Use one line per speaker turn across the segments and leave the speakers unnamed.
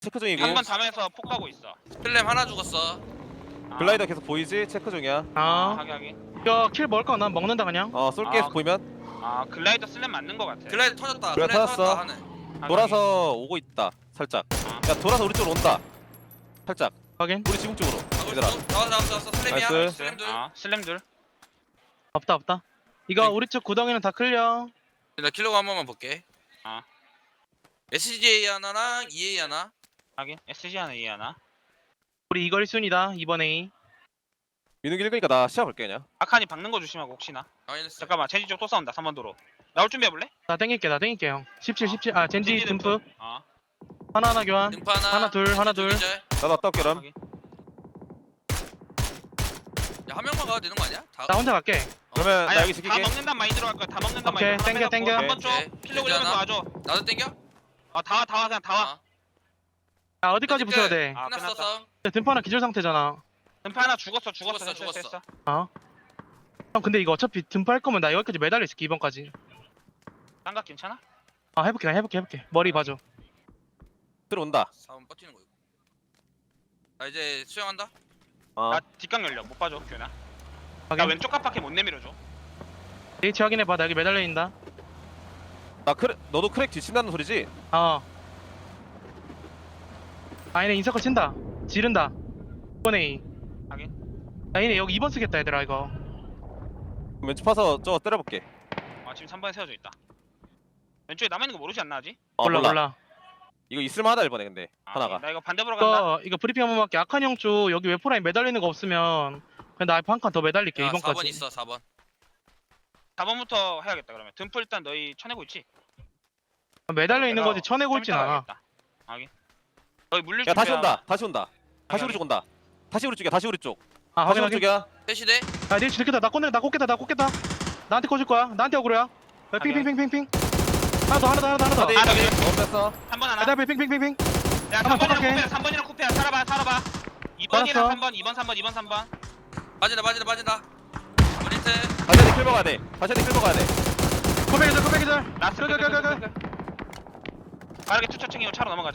체크 중이고.
한 번 담에서 폭 가고 있어.
필렘 하나 죽었어.
글라이더 계속 보이지? 체크 중이야.
하게.
이거 킬 먹을 거 난 먹는다 그냥.
쏠게
아.
보이면.
글라이더 슬램 맞는 거 같아.
글라이드 터졌다.
그래,
글라이드
터졌어.
터졌다 하네.
돌아서 오고 있다. 살짝. 야 돌아서 우리 쪽으로 온다. 살짝.
확인.
우리 지붕 쪽으로. 얘들아.
나왔어. 슬램이야.
나이스.
슬램 둘.
슬램 둘.
없다. 이거
네.
우리 쪽 구덩이는 다 클리어.
나 킬로그 한 번만 볼게.
아.
SGA 하나랑 EA 하나.
하긴. SG 하나 E 하나.
우리 이거 1순위다 이번 A.
민욱이 읽으니까 나 시야 볼게 그냥.
아칸이 박는 거 조심하고 혹시나.
마이너스.
잠깐만 젠지 쪽 또 싸운다. 3번 도로. 나올 준비해 볼래?
나 땡길게 형. 17. 아 젠지 듬프. 하나 교환.
등파 하나.
하나, 둘, 하나, 둘.
기절.
나도 왔다 올게 그럼.
하긴.
야, 한 명만 가도 되는 거 아니야? 다.
나 혼자 갈게.
그러면 나
아니야,
여기
다
지킬게.
먹는단 마인드로 갈 거야. 다 먹는단
오케이,
마인드로.
땡겨.
한번 쪽.
오케이.
필로 그려면서 와줘.
나도 땡겨?
다 와. 그냥 다 와.
아.
야 어디까지 붙여야 돼?
아,
끝났어
끝났다.
싸움.
듬파는 기절 상태잖아.
든파 하나 죽었어.
죽었어.
됐어.
형 근데 이거 어차피 듬파 할 거면 나 여기까지 매달려 있을게 이번까지.
쌍각 괜찮아?
아 해볼게. 머리 봐줘.
들어온다.
싸움 버티는 거 이거. 나 이제 수영한다.
어.
나 뒷각 열려. 못 봐줘. 규현아. 나
확인.
왼쪽 깜빡이 못 내밀어줘.
H 확인해봐. 나 여기 매달려 있다.
나 너도 크랙 뒤친다는 소리지?
얘네 인서클 친다. 지른다. 이번 A.
하긴.
야 얘네 여기 2번 쓰겠다 얘들아 이거.
왼쪽 파서 저거 때려볼게.
지금 3번에 세워져 있다. 왼쪽에 남아있는 거 모르지 않나 아직?
몰라.
이거 있을만하다 이번에 근데 하나가.
나 이거 반대 보러 간다.
이거 브리핑 한번 할게. 아칸 형 쪽 여기 웨포라인 매달리는 거 없으면 그냥 나 한 칸 더 매달릴게
야,
2번까지.
4번 있어 4번.
4번부터 해야겠다 그러면. 듬프 일단 너희 쳐내고 있지?
매달려 있는 거지 쳐내고 있진 않아.
하긴. 너희 물릴
야 다시
준비야.
온다. 다시 우리 쪽 온다. 다시 우리 쪽이야. 다시 우리 쪽.
아
다시
확인.
우리 쪽이야.
셋이대.
야 내일 들켰다. 나 꽂겠다. 나한테 꽂을 거야. 나한테 억울해야. 핑핑핑핑핑. 하나 더.
어디?
아, 저기.
뺐어.
3번 하나.
야 핑핑핑핑.
야
한번
3번이랑 쿠페야. 살아봐. 2번이랑
알았어.
3번. 2번 3번.
빠진다. 브리트.
다시 한대 킬 먹어야 돼.
코백이들.
라스트.
그.
빠르게 투척 챙기고 차로 넘어가자.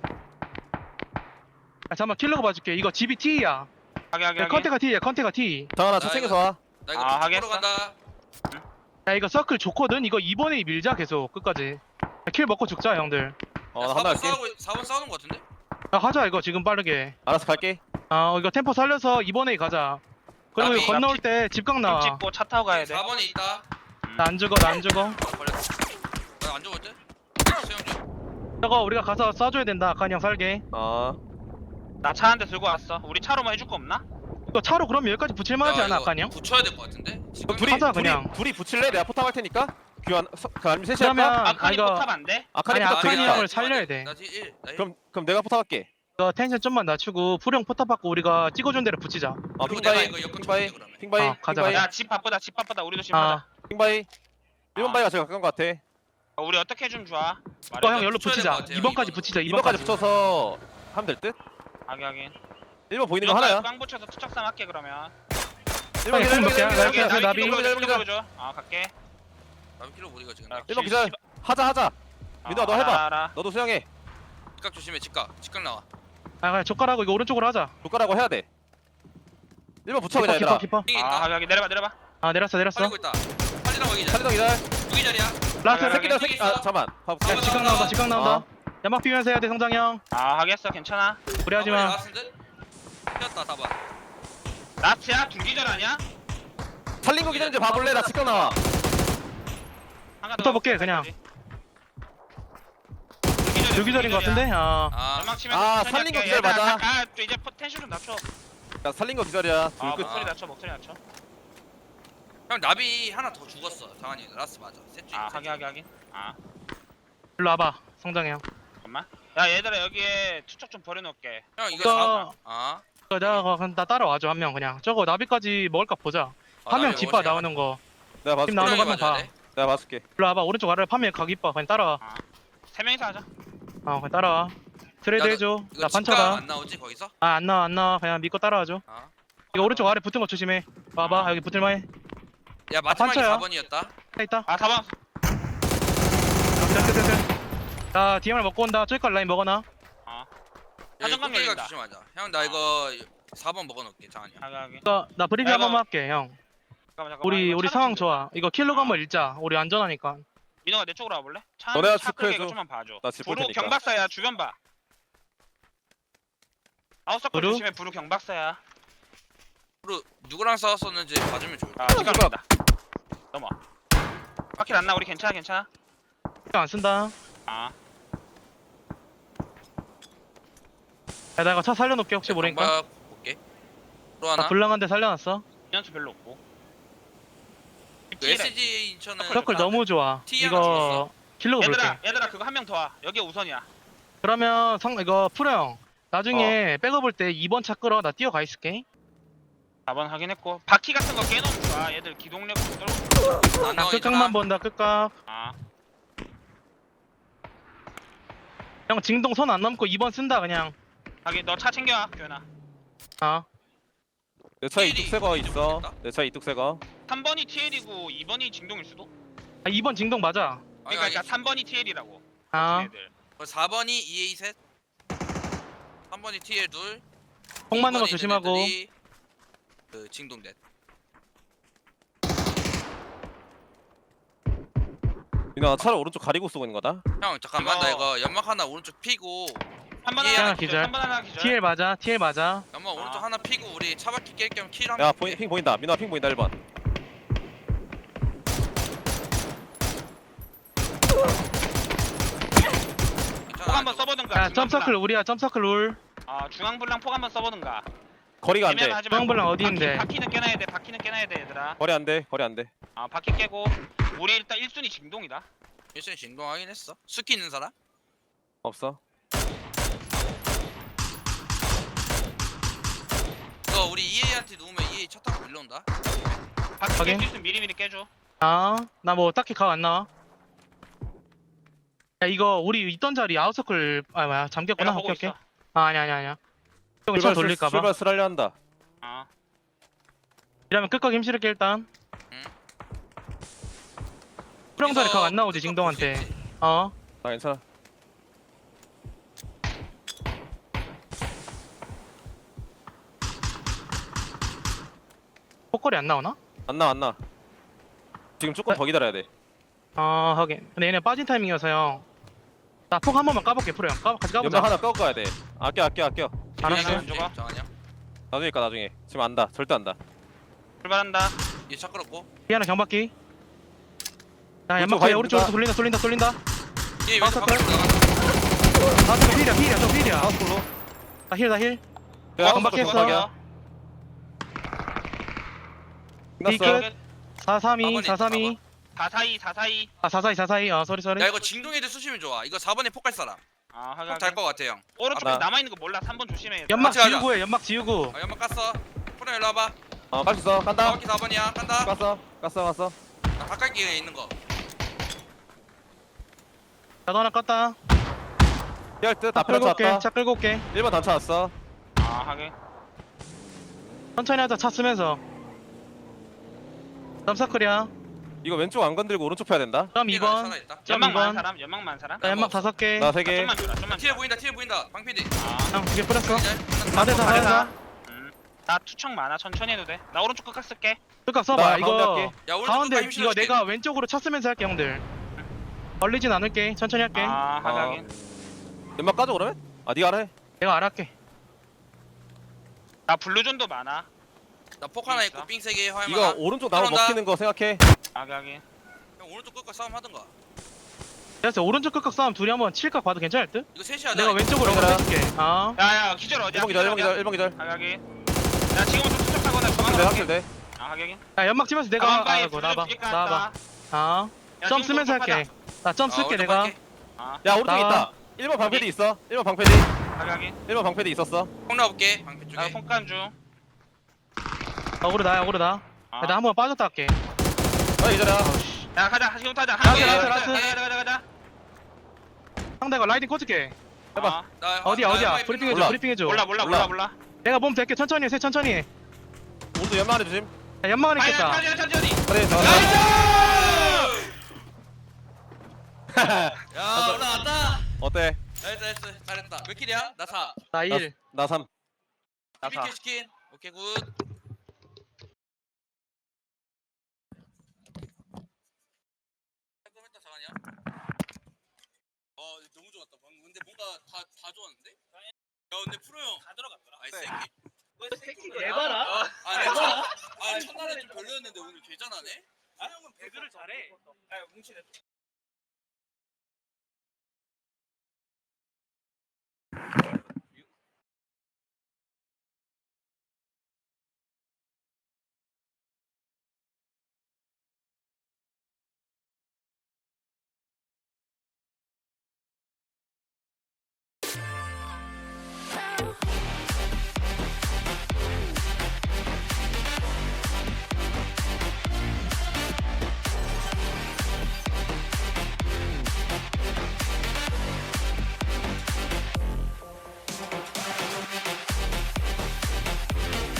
야 잠깐만 킬러가 봐줄게. 이거 집이 T야.
하게.
컨테가 T.
장하나
나
차 챙겨서 와.
나 이거
아,
아, 보러
하겠어.
간다.
야 이거 서클 좋거든. 이거 2번에 밀자 계속 끝까지. 야, 킬 먹고 죽자 형들.
나 하나 할게.
4번 싸우는 거 같은데?
야 하자 이거 지금 빠르게.
알아서 갈게.
이거 템포 살려서 2번에 가자. 그리고 이거
나비.
건너올 때 집각
좀
나와.
찍고 차 타고 가야 돼.
4번에 있다.
나 안 죽어.
걸렸어. 나안 죽었지? 수영 중.
저거 우리가 가서 쏴줘야 된다. 아칸 형 살게.
나 차 한 대 들고 왔어. 우리 차로만 해줄 거 없나?
이거 차로 그러면 여기까지 붙일만하지
야,
않아
이거
아칸 형?
붙여야 될 것 같은데? 지금
둘이
하자, 그냥.
둘이 붙일래? 내가 포탑 할 테니까. 아니면 셋이
그러면
할까?
아칸이
이거
포탑 안 돼?
아칸이
아니,
포탑
아칸이
되겠다.
형을 살려야 돼.
나 지금 1.
그럼 내가 포탑할게.
이거 텐션 좀만 낮추고 풀형 포탑 받고 우리가 찍어준 대로 붙이자.
그리고 내가
핑바이.
이거 역권
핑바이.
쳐볼게, 그러면.
핑바이.
가자,
핑바이.
야 집 바쁘다. 우리도 집 하자.
핑바이. 1번 바이가 제일 가까운 것 같아.
우리 어떻게 해주면 좋아?
이거 형 열로
붙여야
붙이자.
될것 같아요,
2번까지
이번은.
붙이자.
2번까지
2번까지.
붙여서 하면 될 듯?
하긴.
1번 보이는 거 하나야.
꽝 붙여서 투척삼 할게 그러면.
1번 기절.
몇 개야?
1번
나
기절.
나비.
킬로 보여줘. 갈게.
나비 킬로 못 이거 지금.
야,
1번 기절. 하자. 민호야, 너 해봐.
알아.
너도 수영해.
직각 조심해. 직각 나와.
그냥 젓가락하고 이거 오른쪽으로 하자.
조카라고 해야 돼. 1번 붙여 그냥 얘들아.
키퍼.
핑이 있다.
하긴 내려봐.
내렸어.
빨리고 있다. 빨리 나가 기절.
살리동 기절.
무기절이야.
라스트.
새끼.
새끼. 잠깐만. 봐볼게.
야,
직각 나온다. 연막 비면서 해야 돼 성장 형.
하겠어. 괜찮아.
무리하지 마.
튀었다 4번.
나트야? 중기절 아니야?
살린 거 기다리지 봐볼래? 나 직각 나와.
한가
붙어볼게, 그냥. 유기절인 것 같은데?
연막 치면
아, 살린 거 기절 맞아.
이제 텐션 좀 낮춰.
야 살린 거 기다려. 둘 끝.
목소리 낮춰.
형 나비 하나 더 죽었어. 당한이 라스 맞아. 셋 중에.
하긴.
일로 와봐 성장 형.
잠깐만. 야 얘들아 여기에 투척 좀 버려놓을게.
형 이거
이거-
4번.
내가 나 따라와줘 한 명 그냥. 저거 나비까지 먹을까 보자. 한 명 집봐 나오는 거.
내가 봐줄게.
팀 나오는 거 한번 봐.
내가 봐줄게.
일로 와봐. 오른쪽 아래 파면 가기 봐. 그냥 따라와.
3명이서 하자.
그냥 따라와. 트레이드 해줘. 나
이거 직각
판차다.
안 나오지 거기서?
안 나와. 그냥 믿고 따라와줘.
아.
이거 오른쪽 아래 붙은 거 조심해. 와봐. 여기 붙을만해.
야 마지막에
판쳐요.
4번이었다.
있다.
4번.
자 DMR 먹고 온다. 저기까지 라인 먹어놔.
사정강
꼭대기가
열린다.
조심하자. 형 나 이거 4번 먹어놓을게 장한이 형.
하게.
이거 나 브리핑
야,
한
이거-
번만 할게 형.
잠깐만.
우리
이거
우리
차
상황
좀
좋아. 이거 킬로그 한번 읽자. 우리 안전하니까.
민호가 내 쪽으로 와볼래? 차
너네가
차 끌게
체크해줘.
이거 좀만 봐줘.
나 짚을
부루
테니까.
경박사야 주변 봐. 아웃서클
부루?
조심해 부루 경박사야.
그리고 누구랑 싸웠었는지 봐주면 좋을 것
아
같아.
시간 없다. 넘어. 바퀴 안나 우리 괜찮아.
신경 안 쓴다.
아
야, 나 이거 차 살려놓게 혹시 모르니까.
경박 볼게. 또 하나.
나 불량한데 살려놨어.
연수 별로 없고.
그 SG 인천은
서클 너무 좋아.
T 하나
이거
죽었어.
킬로그 볼게.
얘들아 그거 한 명 더 와. 여기 우선이야.
그러면 이거 프로 형.
어.
나중에 백업을 때 2번 차 끌어. 나 뛰어가 있을게.
4번 확인했고 바퀴 같은 거 깨놓으면 좋아. 얘들 기동력 좀 떨고.
안
나
나와,
끝각만 본다. 끝각.
아
형 징동 선 안 넘고 2번 쓴다 그냥.
하긴 너 차 챙겨와 교현아.
아.
내 차에
TL이
이뚝새거 있어.
모르겠다.
내 차에 이뚝새거.
3번이 TL이고 2번이 징동일 수도.
아 2번 징동 맞아.
그러니까 3번이 TL이라고.
아.
애들.
4번이 EA 셋. 3번이 TL 둘.
폭 맞는 거
2번이
조심하고.
얘네들이 그 징동넷.
민아 차를 오른쪽 가리고 쏘고 있는 거다.
형 잠깐만 나
이거-
이거 연막 하나 오른쪽 피고
3번
예,
하나
기절.
기절. 3번 하나 기절.
TL 맞아. TL 맞아.
연막 오른쪽
아.
하나 피고 우리 차바퀴 깰 겸 킬
야
한번
핑 보인다. 민아 핑 보인다 1번.
폭 한번 써보든가.
야 점서클 우리야. 점서클 룰.
아 중앙불랑 폭 한번 써보든가.
거리가 안 돼.
애매하지 말고.
중앙불랑 어디인데?
바퀴는 깨놔야 돼. 바퀴는 깨놔야 돼 얘들아.
거리 안 돼. 거리 안 돼.
아 바퀴 깨고 우리 일단 1순위 징동이다.
일순위 진동하긴 했어. 스키 있는 사람?
없어.
이거 우리 EA한테 누우면 EA 차 타고 밀려온다.
바퀴
확인.
깰 수 있으면 미리미리 깨줘.
아. 나 뭐 딱히 각 안 나와. 야 이거 우리 있던 자리 아웃서클 뭐야 잠겼구나.
내가 보고
오케이 오케이.
있어.
아 아니야. 형 차 돌릴까봐.
출발 쓰랄려 한다.
아
이러면 끝까지 힘실을게 일단.
응.
프령자리 각 안 나오지
이거
징동한테.
볼수 있지.
어.
아 괜찮아.
폭거리 안 나오나?
안 나 안 나. 지금 조금 더 기다려야 돼.
아 하긴. 근데 얘네 빠진 타이밍이어서 형. 나 폭 한 번만 까볼게 프로 형. 같이 까보자.
연막 하나 끄고 가야 돼. 아껴.
알았어.
안 죽어?
정한이 형.
나중에 까 나중에. 지금 안다. 절대 안다.
출발한다.
얘차 끌었고.
피하나 경박기. 야
오른쪽
연막
가야
뒤에 오른쪽으로
됩니다.
돌린다.
얘
아,
왼쪽
서클.
바퀴 나간다.
아 저거 필이야 저 필이야.
하우스로.
나 힐.
야,
경박했어.
경박이야.
이
끝났어.
끝. 432 432.
442.
아 442. 아 쏘리.
야 이거 징동애들 쑤시면 좋아. 이거 4번에 폭갈 사람.
아 하긴.
폭잘것 같아 형.
오른쪽에
나-
남아있는 거 몰라. 3번 조심해. 얘들아.
연막
같이 가자.
지우고 해. 연막 지우고.
아 연막 깠어. 프로 일로 와봐.
깔수 있어. 간다.
정확히 4번이야. 간다.
깠어.
나 바깥기에 있는 거.
나도 하나 껐다.
피할 듯.
차
앞에 단차
끌고 올게.
왔다.
차 끌고 올게.
1번 단차 왔어.
아 하긴.
천천히 하자. 차 쓰면서. 점사클이야.
이거 왼쪽 안 건들고 오른쪽 펴야 된다.
그럼
TL가
2번.
살아있다.
연막 많은
2번.
사람. 연막 많은 사람.
나 연막 5개.
나 3개.
좀만 줘라. 좀만
TL
줘라.
보인다. TL 보인다. 방PD.
아.
형 2개 뿌렸어.
다
다대사.
나 투척 많아. 천천히 해도 돼. 나 오른쪽 끝각 쓸게.
그니까
나
써봐.
가운데
이거
할게.
야 오른쪽
가운데
힘
이거
실어줄게.
내가 왼쪽으로 차 쓰면서 할게 형들. 걸리진 않을게. 천천히 할게.
아 하긴.
연막 까줘 그러면? 아 네가 알아 해.
내가 알아할게.
나 블루존도 많아.
나폭 하나 있고
있어?
삥 3개 화염
이거
하나.
오른쪽 나무
들어온다.
먹히는 거 생각해.
하긴.
형 오른쪽 끝과 싸움 하던가.
그래서 오른쪽 끝각 싸움 둘이 한번 칠각 봐도 괜찮을 듯?
이거 셋이 하자.
내가 왼쪽으로
그래라.
한번 해줄게. 아.
야야 기절 어디야?
1번 기절. 1번 기절.
하긴. 야 지금부터 투척하거나
확실돼
정확하게.
확실돼.
아 하긴.
야 연막 치면서 내가
가방바에
아이고
블루
나와봐.
2개
나와봐.
깔았다.
아.
야,
점
지금
쓰면서
좀
할게. 나 점 쓸게 내가.
아
야 오른쪽
나와.
있다. 1번 방패디 있어. 1번 방패디.
하긴.
1번 방패디 있었어.
폭 나볼게. 방패 쪽에.
나 폰간 중.
억울하다.
아.
나 한 번 빠졌다 할게.
아 이제라.
야 가자. 지금 타자.
라스. 상대가 라이딩 꽂을게.
해봐.
아,
나
어디야
나
어디야.
화염
브리핑해줘
몰라.
브리핑해줘.
몰라.
내가 몸 될게. 천천히 해. 천천히 해.
오른쪽 연막 안에 조심.
야, 연막 안에 있겠다.
천천히.
그래 저.
야 올라왔다.
어때?
나이스 잘했다. 몇 킬이야? 나 4.
나 1.
나 3.
나 4.
12킬 치킨. 오케이 굿. 했다 장하냐? 너무 좋았다 방금. 근데 뭔가 다 좋았는데? 야 근데 프로 형 다 들어갔더라. 아이 새끼.
에바라?
첫날에 좀 별로였는데 오늘 개잘하네?
아 형은 배그를 잘해. 아 뭉치네.